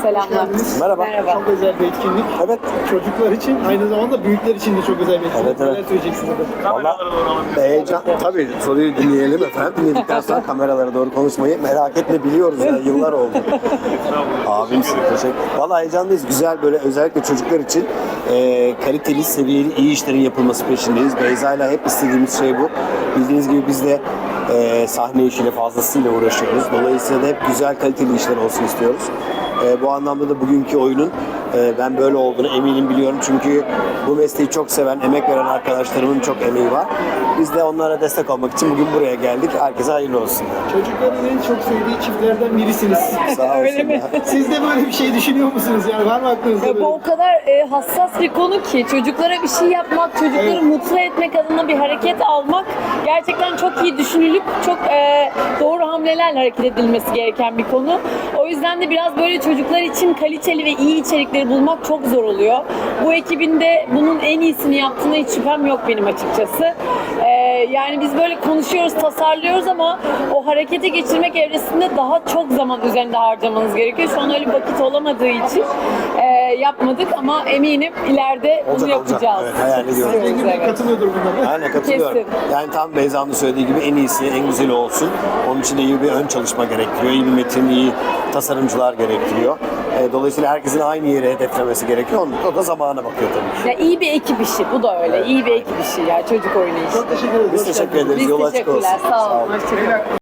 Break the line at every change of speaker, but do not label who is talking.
Selamlar.
Merhaba.
Merhaba.
Çok özel bir etkinlik.
Evet.
Çocuklar için, aynı zamanda büyükler için de çok özel bir etkinlik.
Evet, evet.
Neler söyleyeceksiniz efendim?
Valla heyecan. Tabii soruyu dinleyelim efendim. Dinledikten sonra kameralara doğru konuşmayı merak etme, biliyoruz ya, yıllar oldu. Abimsin, teşekkür. Valla heyecanlıyız. Güzel, böyle özellikle çocuklar için kaliteli, seviyeli, iyi işlerin yapılması peşindeyiz. Beyza'yla hep istediğimiz şey bu. Bildiğiniz gibi biz de sahne işiyle fazlasıyla uğraşıyoruz. Dolayısıyla da hep güzel, kaliteli işler olsun istiyoruz. Bu anlamda da bugünkü oyunun ben böyle olduğunu eminim, biliyorum. Çünkü bu mesleği çok seven, emek veren arkadaşlarımın çok emeği var. Biz de onlara destek olmak için bugün buraya geldik. Herkese hayırlı olsun.
Çocukların en çok sevdiği çiftlerden birisiniz.
Sağ olsun.
Öyle mi?
ya.
Siz de böyle bir şey düşünüyor musunuz? Yani var mı aklınızda
Ya
böyle?
bu o kadar hassas bir konu ki çocuklara bir şey yapmak, çocukları
Evet.
mutlu etmek adına bir hareket almak gerçekten çok iyi düşünülüp çok doğru hamlelerle hareket edilmesi gereken bir konu. O yüzden de biraz böyle çocuklar için kaliteli ve iyi içerikleri bulmak çok zor oluyor. Bu ekibin de bunun en iyisini yaptığına hiç şüphem yok benim açıkçası. Yani biz böyle konuşuyoruz, tasarlıyoruz ama o harekete geçirmek evresinde daha çok zaman üzerinde harcamanız gerekiyor. Şu an öyle bir vakit olamadığı için yapmadık ama eminim ileride bunu
Olacak, olacak.
yapacağız.
Evet, hayal ediyorum.
İstiyoruz,
Engin Bey
evet.
katılıyordur buna.
Aynen, katılıyorum.
Kesin.
Yani tam Beyza'nın söylediği gibi en iyisi, en güzeli olsun. Onun için de iyi bir ön çalışma gerektiriyor. İyi bir metin, iyi tasarımcılar gerektiriyor. Dolayısıyla herkesin aynı yere hedeflemesi gerekiyor. O da zamana bakıyor tabii ki.
Ya iyi bir ekip işi, bu da öyle. İyi bir ekip işi yani çocuk oyunu işi.
Çok teşekkür ederiz.
Biz
Hoş
teşekkür
geldiniz.
ederiz.
Biz
Yol açık olsun.
teşekkürler, sağ olun.
olun.
Hoşçakalın.